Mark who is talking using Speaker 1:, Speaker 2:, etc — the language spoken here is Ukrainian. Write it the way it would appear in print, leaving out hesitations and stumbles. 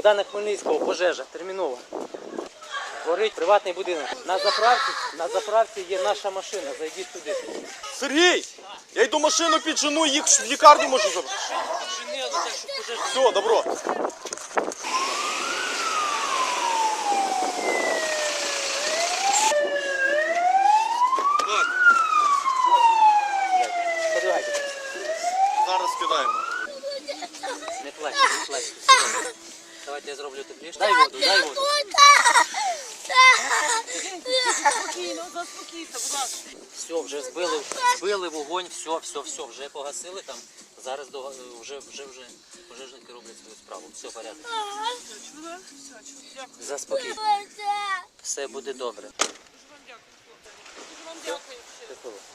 Speaker 1: Богдана Хмельницького, пожежа, термінова. Горить приватний будинок. На заправці є наша машина, зайдіть туди.
Speaker 2: Сергій! Я йду машину піджену, їх в лікарню можу забрати. Все, добро.
Speaker 1: Подивайте.
Speaker 2: Зараз скидаємо.
Speaker 1: Не плачте, не плачте. Давайте я зроблю тепліше. Дай воду, дай воду.
Speaker 3: Спокійно, заспокійся, будь ласка.
Speaker 1: Все, вже збили вогонь, все, вже погасили там. Зараз вже пожежники роблять свою справу. Все, порядок.
Speaker 3: Чула? Все, дякую.
Speaker 1: Заспокійся. Все буде добре.
Speaker 3: Дуже вам дякую, хлопці. Дуже вам дякую.
Speaker 1: Щасливо.